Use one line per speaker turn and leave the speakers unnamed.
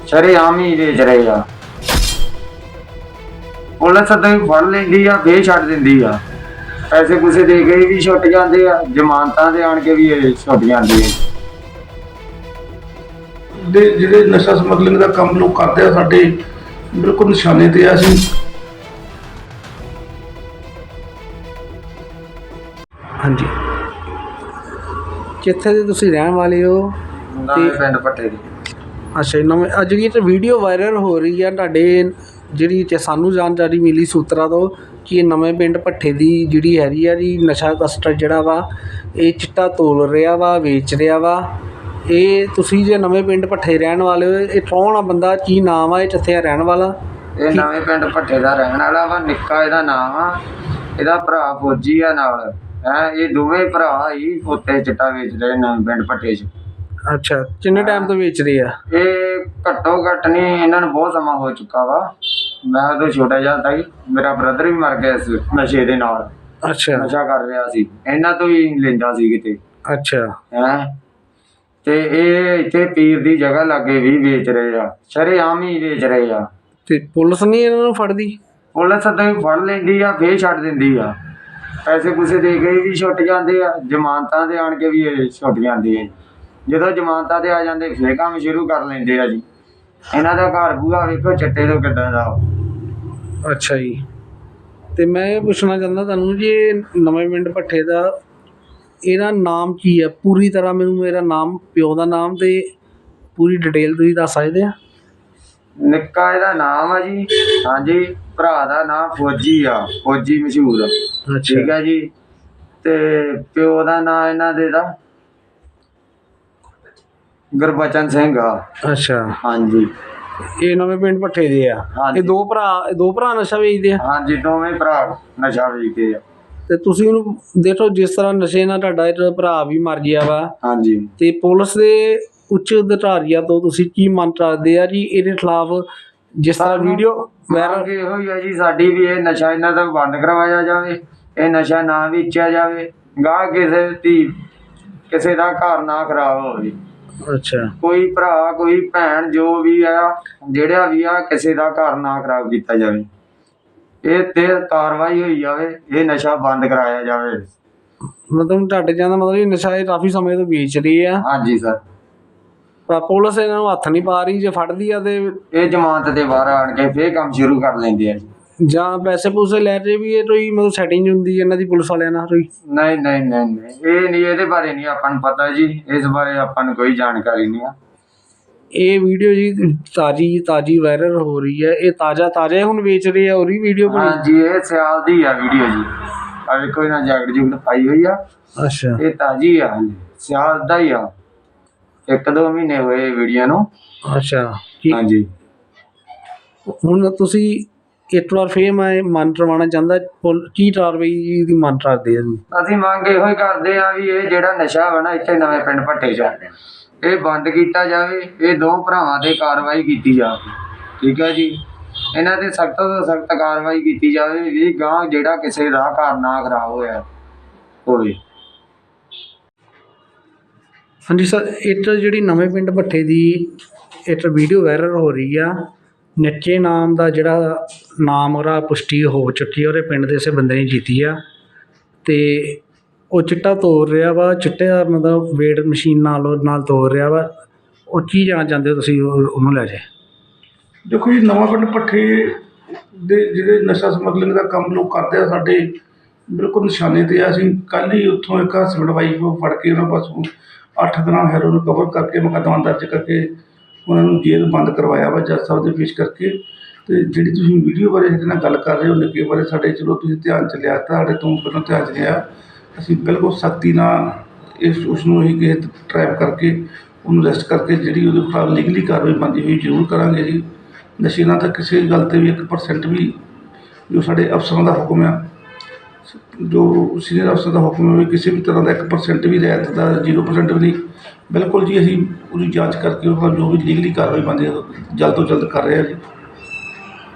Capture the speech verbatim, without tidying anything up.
ਸ਼ਰੇਆਮ ਹੀ ਵੇਚ ਰਹੇ ਆ। ਪੁਲਿਸ ਤਾਂ ਫੜ ਲੈਂਦੀ ਆ, ਫੇਰ ਛੱਡ ਦਿੰਦੀ ਆ। ਪੈਸੇ ਪੂਸੇ ਦੇ ਕੇ ਵੀ ਛੁੱਟ ਜਾਂਦੇ ਆ, ਜ਼ਮਾਨਤਾਂ ਤੇ ਆਣ ਕੇ ਵੀ ਇਹ ਛੁੱਟ ਜਾਂਦੇ ਆ।
ਦੇ ਜਿਹੜੇ ਨਸ਼ਾ ਸਮਗਲਿੰਗ ਦਾ ਕੰਮ ਲੋਕ ਕਰਦੇ ਆ, ਸਾਡੇ ਬਿਲਕੁਲ ਨਿਸ਼ਾਨੇ ਤੇ ਆ। ਅਸੀਂ
ਹਾਂਜੀ, ਕਿੱਥੇ ਦੇ ਤੁਸੀਂ ਰਹਿਣ ਵਾਲੇ ਹੋ?
ਨਵੇਂ ਪਿੰਡ ਭੱਠੇ ਦੀ।
ਅੱਛਾ, ਨਵੇਂ ਅੱਜ ਜਿਹੜੀ ਇਹ ਵੀਡੀਓ ਵਾਇਰਲ ਹੋ ਰਹੀ ਆ ਤੁਹਾਡੇ, ਜਿਹੜੀ ਤੇ ਸਾਨੂੰ ਜਾਣਕਾਰੀ ਮਿਲੀ ਸੂਤਰਾਂ ਤੋਂ ਕਿ ਇਹ ਨਵੇਂ ਪਿੰਡ ਭੱਠੇ ਦੀ ਜਿਹੜੀ ਹੈਗੀ ਆ ਜੀ ਨਸ਼ਾ ਤਸਕਰ ਜਿਹੜਾ ਵਾ ਇਹ ਚਿੱਟਾ ਤੋਲ ਰਿਹਾ ਵਾ, ਵੇਚ ਰਿਹਾ ਵਾ। ਇਹ ਤੁਸੀਂ ਜੇ ਨਵੇਂ ਪਿੰਡ ਭੱਠੇ ਰਹਿਣ ਵਾਲੇ ਹੋ, ਇਹ ਕੌਣ ਆ ਬੰਦਾ, ਕੀ ਨਾਮ ਆ, ਇਹ ਕਿੱਥੇ ਰਹਿਣ ਵਾਲਾ?
ਇਹ ਨਵੇਂ ਪਿੰਡ ਭੱਠੇ ਦਾ ਰਹਿਣ ਵਾਲਾ ਵਾ, ਨਿੱਕਾ ਇਹਦਾ ਨਾਮ ਆ। ਇਹਦਾ ਭਰਾ ਫੌਜੀ ਆ ਨਾਲ ਹੈ। ਇਹ ਦੋਵੇਂ ਭਰਾ ਹੀ ਉੱਤੇ ਚਿੱਟਾ ਵੇਚ ਰਹੇ ਨਵੇਂ ਪਿੰਡ ਭੱਠੇ 'ਚ।
ਅੱਛਾ, ਕਿੰਨੇ ਟਾਈਮ ਤੋਂ ਵੇਚ ਰਹੇ ਆ?
ਇਹ ਘੱਟੋ ਘੱਟ ਨਹੀਂ, ਇਹਨਾਂ ਨੂੰ ਬਹੁਤ ਸਮਾਂ ਹੋ ਚੁੱਕਾ ਵਾ। ਮੈਂ ਉਦੋਂ ਛੋਟਾ ਜਿਹਾ ਸੀ, ਮੇਰਾ ਬ੍ਰਦਰ ਵੀ ਮਰ ਗਿਆ ਇਸ ਨਸ਼ੇ ਦੇ ਨਾਲ।
ਅੱਛਾ,
ਨਸ਼ਾ ਕਰ ਰਿਹਾ ਸੀ, ਇਹਨਾਂ ਤੋਂ ਹੀ ਲੈਂਦਾ ਸੀ ਕਿਤੇ।
ਅੱਛਾ
ਹੈ ਤੇ ਇਹ ਇੱਥੇ ਪੀਰ ਦੀ ਜਗ੍ਹਾ ਲਾਗੇ ਵੀ ਵੇਚ ਰਹੇ ਆ, ਸ਼ਰੇਆਮ ਹੀ ਵੇਚ ਰਹੇ ਆ।
ਤੇ ਪੁਲਿਸ ਨਹੀਂ ਇਹਨਾਂ ਨੂੰ ਫੜਦੀ?
ਪੁਲਿਸ ਤਾਂ ਫੜ ਲੈਂਦੀ ਆ, ਫੇਰ ਛੱਡ ਦਿੰਦੀ ਆ। ਪੈਸੇ ਪੂਸੇ ਦੇ ਕੇ ਵੀ ਛੁੱਟ ਜਾਂਦੇ ਆ, ਜ਼ਮਾਨਤਾਂ ਤੇ ਆਣ ਕੇ ਵੀ ਇਹ ਛੁੱਟ ਜਾਂਦੇ ਆ। ਜਦੋਂ ਜ਼ਮਾਨਤਾਂ ਤੇ ਆ ਜਾਂਦੇ ਫੇਰ ਕੰਮ ਸ਼ੁਰੂ ਕਰ ਲੈਂਦੇ ਆ ਜੀ। ਇਹਨਾਂ ਦਾ ਘਰ ਬੂਹਾ ਵੇਖੋ ਚਿੱਟੇ ਤੋਂ ਕਿੱਦਾਂ ਦਾ।
ਅੱਛਾ ਜੀ, ਤੇ ਮੈਂ ਇਹ ਪੁੱਛਣਾ ਚਾਹੁੰਦਾ ਤੁਹਾਨੂੰ ਜੀ, ਇਹ ਨਵੇਂ ਪਿੰਡ ਭੱਠੇ ਦਾ ਇਹਦਾ ਨਾਮ ਕੀ ਹੈ ਪੂਰੀ ਤਰ੍ਹਾਂ? ਮੈਨੂੰ ਮੇਰਾ ਨਾਮ, ਪਿਓ ਦਾ ਨਾਮ ਤੇ ਪੂਰੀ ਡਿਟੇਲ ਤੁਸੀਂ ਦੱਸ ਸਕਦੇ ਆ?
ਨਿੱਕਾ ਇਹਦਾ ਨਾਮ ਆ ਜੀ। ਹਾਂਜੀ, ਭਰਾ ਦਾ ਨਾਮ ਫੌਜੀ ਆ, ਫੌਜੀ ਮਸ਼ਹੂਰ ਆ। ਠੀਕ ਆ ਜੀ। ਤੇ ਪਿਓ ਦਾ ਨਾਂ ਇਹਨਾਂ ਦੇ ਦਾ ਗੁਰਬਚਨ ਸਿੰਘ ਆ।
ਅੱਛਾ,
ਹਾਂਜੀ।
ਇਹ ਨਵੇਂ ਪਿੰਡ ਭੱਠੇ ਦੇ ਆ। ਇਹ ਦੋ ਭਰਾ, ਇਹ ਦੋ ਭਰਾ ਨਸ਼ਾ ਵੇਚਦੇ ਆ?
ਹਾਂਜੀ, ਦੋਵੇਂ ਭਰਾ ਨਸ਼ਾ ਵੇਚਦੇ ਆ।
ਤੇ ਤੁਸੀਂ ਉਹਨੂੰ ਦੇਖੋ, ਜਿਸ ਤਰ੍ਹਾਂ ਨਸ਼ੇ ਨਾਲ ਤੁਹਾਡਾ ਇਹ ਭਰਾ ਵੀ ਮਰ ਗਿਆ ਵਾ।
ਹਾਂਜੀ।
ਤੇ ਪੁਲਿਸ ਦੇ ਉੱਚ ਅਧਿਕਾਰੀਆਂ ਤੋਂ ਤੁਸੀਂ ਕੀ ਮੰਗ ਕਰਦੇ ਆ ਜੀ ਇਹਦੇ ਖਿਲਾਫ? ਜਿਸ ਤਰ੍ਹਾਂ ਵੀਡੀਓ
ਮੰਗ ਇਹੋ ਹੀ ਆ ਜੀ ਸਾਡੀ ਵੀ, ਇਹ ਨਸ਼ਾ ਇਹਨਾਂ ਦਾ ਬੰਦ ਕਰਵਾਇਆ ਜਾਵੇ, ਇਹ ਨਸ਼ਾ ਨਾ ਵੇਚਿਆ ਜਾਵੇ, ਗਾਹ ਕਿਸੇ ਦੀ ਕਿਸੇ ਦਾ ਘਰ ਨਾ ਖਰਾਬ ਹੋਵੇ।
ਅੱਛਾ,
ਕੋਈ ਭਰਾ ਕੋਈ ਭੈਣ ਜੋ ਵੀ ਆ, ਜਿਹੜਾ ਵੀ ਆ, ਕਿਸੇ ਦਾ ਘਰ ਨਾ ਖਰਾਬ ਕੀਤਾ ਜਾਵੇ। ਇਹ ਤੇ ਕਾਰਵਾਈ ਹੋਈ ਜਾਵੇ, ਇਹ ਨਸ਼ਾ ਬੰਦ ਕਰਾਇਆ ਜਾਵੇ।
ਮਤਲਬ ਤੁਹਾਡੇ ਜਾਂਦਾ ਮਤਲਬ ਇਹ ਨਸ਼ਾ ਇਹ ਕਾਫੀ ਸਮੇਂ ਤੋਂ ਵੇਚ ਰਹੇ ਆ?
ਹਾਂਜੀ ਸਰ।
ਪਰ ਪੁਲਿਸ ਇਹਨਾਂ ਨੂੰ ਹੱਥ ਨਹੀਂ ਪਾ ਰਹੀ? ਜੇ ਫੜਦੀ ਆ ਤੇ
ਇਹ ਜ਼ਮਾਨਤ ਦੇ ਬਾਹਰ ਆਣ ਕੇ ਫੇਰ ਕੰਮ ਸ਼ੁਰੂ ਕਰ ਲੈਂਦੇ ਆ ਜੀ।
ਜਾਂ ਪੈਸੇ ਪੂਸੇ ਲੈ ਰਹੇ ਵੀ, ਇਹ ਕੋਈ ਮਤਲਬ ਸੈਟਿੰਗ ਹੁੰਦੀ ਇਹਨਾਂ ਦੀ ਪੁਲਿਸ ਵਾਲਿਆਂ ਨਾਲ ਕੋਈ?
ਨਹੀਂ ਨਹੀਂ ਨਹੀਂ ਨਹੀਂ, ਇਹ ਨਹੀਂ, ਇਹਦੇ ਬਾਰੇ ਨਹੀਂ ਆਪਾਂ ਨੂੰ ਪਤਾ ਜੀ। ਇਸ ਬਾਰੇ ਆਪਾਂ ਨੂੰ ਕੋਈ ਜਾਣਕਾਰੀ ਨਹੀਂ ਆ।
ਇਹ ਵੀਡੀਓ ਜੀ ਤਾਜ਼ੀ ਤਾਜ਼ੀ ਵਾਇਰਲ ਹੋ ਰਹੀ ਹੈ। ਇਹ ਤਾਜ਼ਾ ਤਾਜ਼ਾ ਹੁਣ ਵੇਚ ਰਹੇ ਆ? ਉਹਦੀ ਵੀਡੀਓ ਬਣੀ?
ਹਾਂਜੀ, ਇਹ ਸਿਆਲ ਦੀ ਆ ਵੀਡੀਓ ਜੀ। ਆ ਵੇਖੋ ਇਹਨਾਂ ਜੈਕਟ ਜੁਕਟ ਪਾਈ ਹੋਈ ਆ।
ਅੱਛਾ,
ਇਹ ਤਾਜ਼ੀ ਆ, ਸਿਆਲ ਦਾ ਹੀ ਆ। ਇੱਕ ਦੋ ਮਹੀਨੇ ਹੋਏ ਵੀਡੀਓ ਨੂੰ।
ਅੱਛਾ।
ਹਾਂਜੀ।
ਹੁਣ ਤੁਸੀਂ ਇੱਕ ਵਾਰ ਫੇਰ ਮੈਂ ਮਨ ਕਰਵਾਉਣਾ ਚਾਹੁੰਦਾ, ਕੀ ਕਾਰਵਾਈ ਦੀ ਮੰਗ ਕਰਦੇ ਆ?
ਅਸੀਂ ਮੰਗ ਇਹੋ ਹੀ ਕਰਦੇ ਆ ਵੀ ਇਹ ਜਿਹੜਾ ਨਸ਼ਾ ਵਾ ਨਾ ਇੱਥੇ ਨਵੇਂ ਪਿੰਡ ਭੱਠੇ 'ਚ, ਇਹ ਬੰਦ ਕੀਤਾ ਜਾਵੇ। ਇਹ ਦੋ ਭਰਾਵਾਂ ਤੇ ਕਾਰਵਾਈ ਕੀਤੀ ਜਾਵੇ। ਠੀਕ ਹੈ ਜੀ। ਇਹਨਾਂ ਤੇ ਸਖਤ ਤੋਂ ਸਖਤ ਕਾਰਵਾਈ ਕੀਤੀ ਜਾਵੇ ਵੀ ਗਾਂ ਜਿਹੜਾ ਕਿਸੇ ਦਾ ਘਰ ਨਾ ਖਰਾਬ ਹੋਇਆ ਹੋਵੇ।
ਹਾਂਜੀ ਸਰ, ਇੱਕ ਜਿਹੜੀ ਨਵੇਂ ਪਿੰਡ ਭੱਠੇ ਦੀ ਇੱਕ ਵੀਡੀਓ ਵਾਇਰਲ ਹੋ ਰਹੀ ਆ, ਨਿੱਕੇ ਨਾਮ ਦਾ ਜਿਹੜਾ ਨਾਮ ਉਹਦਾ ਪੁਸ਼ਟੀ ਹੋ ਚੁੱਕੀ ਆ, ਉਹਦੇ ਪਿੰਡ ਦੇ ਇਸੇ ਬੰਦੇ ਨੇ ਕੀਤੀ ਆ। ਤੇ ਉਹ ਚਿੱਟਾ ਤੋੜ ਰਿਹਾ ਵਾ, ਚਿੱਟੇ ਦਾ ਮਤਲਬ ਵੇਟ ਮਸ਼ੀਨ ਨਾਲ ਉਹ ਨਾਲ ਤੋੜ ਰਿਹਾ ਵਾ। ਉਹ ਕੀ ਜਾਣਾ ਚਾਹੁੰਦੇ ਹੋ ਤੁਸੀਂ ਉਹਨੂੰ ਲੈ ਜੇ?
ਦੇਖੋ ਜੀ, ਨਵਾਂ ਪਿੰਡ ਭੱਠੇ ਦੇ ਜਿਹੜੇ ਨਸ਼ਾ ਸਮਗਲਿੰਗ ਦਾ ਕੰਮ ਲੋਕ ਕਰਦੇ ਆ, ਸਾਡੇ ਬਿਲਕੁਲ ਨਿਸ਼ਾਨੇ ਤੇ ਆ। ਅਸੀਂ ਕੱਲ੍ਹ ਹੀ ਉੱਥੋਂ ਇੱਕ ਹਸਬੈਂਡ ਵਾਈਫ ਫੜ ਕੇ ਉਹਨਾਂ ਪਾਸੋਂ ਅੱਠ ਦਿਨਾਂ ਹੈਰੋਇਨ ਕਵਰ ਕਰਕੇ ਮੁਕੱਦਮਾ ਦਰਜ ਕਰਕੇ ਉਹਨਾਂ ਨੂੰ ਜੇਲ੍ਹ ਬੰਦ ਕਰਵਾਇਆ ਵਾ ਜੱਜ ਸਾਹਿਬ ਦੇ ਪੇਸ਼ ਕਰਕੇ। ਅਤੇ ਜਿਹੜੀ ਤੁਸੀਂ ਵੀਡੀਓ ਬਾਰੇ ਇਹਦੇ ਨਾਲ ਗੱਲ ਕਰ ਰਹੇ ਹੋ, ਨਿੱਕੇ ਬਾਰੇ, ਸਾਡੇ ਚਲੋ ਤੁਸੀਂ ਧਿਆਨ 'ਚ ਲਿਆ, ਤੁਹਾਡੇ ਤੋਂ ਪਹਿਲਾਂ ਧਿਆਨ 'ਚ ਲਿਆ। ਅਸੀਂ ਬਿਲਕੁਲ ਸਖਤੀ ਨਾਲ ਇਸ ਉਸਨੂੰ ਅਸੀਂ ਕਿਸੇ ਟਰੈਪ ਕਰਕੇ ਉਹਨੂੰ ਅਰੈਸਟ ਕਰਕੇ ਜਿਹੜੀ ਉਹਦੇ ਖਿਲਾਫ ਲੀਗਲੀ ਕਾਰਵਾਈ ਬਣਦੀ ਹੋਈ ਜ਼ਰੂਰ ਕਰਾਂਗੇ ਜੀ। ਨਸ਼ੇ ਨਾਲ ਤਾਂ ਕਿਸੇ ਗੱਲ 'ਤੇ ਵੀ ਇੱਕ ਪਰਸੈਂਟ ਵੀ, ਜੋ ਸਾਡੇ ਅਫਸਰਾਂ ਦਾ ਹੁਕਮ ਆ, ਜੋ ਸੀਨੀਅਰ ਅਫਸਰ ਦਾ ਹੁਕਮ ਹੈ, ਵੀ ਕਿਸੇ ਵੀ ਤਰ੍ਹਾਂ ਦਾ ਇੱਕ ਪਰਸੈਂਟ ਵੀ ਰਿਆਇਤ ਦਾ, ਜ਼ੀਰੋ ਪਰਸੈਂਟ ਵੀ ਨਹੀਂ। ਬਿਲਕੁਲ ਜੀ, ਅਸੀਂ ਉਹਦੀ ਜਾਂਚ ਕਰਕੇ ਉਹ ਜੋ ਵੀ ਲੀਗਲੀ ਕਾਰਵਾਈ ਬਣਦੀ ਹੈ ਜਲਦ ਤੋਂ ਜਲਦ ਕਰ ਰਹੇ ਹਾਂ ਜੀ।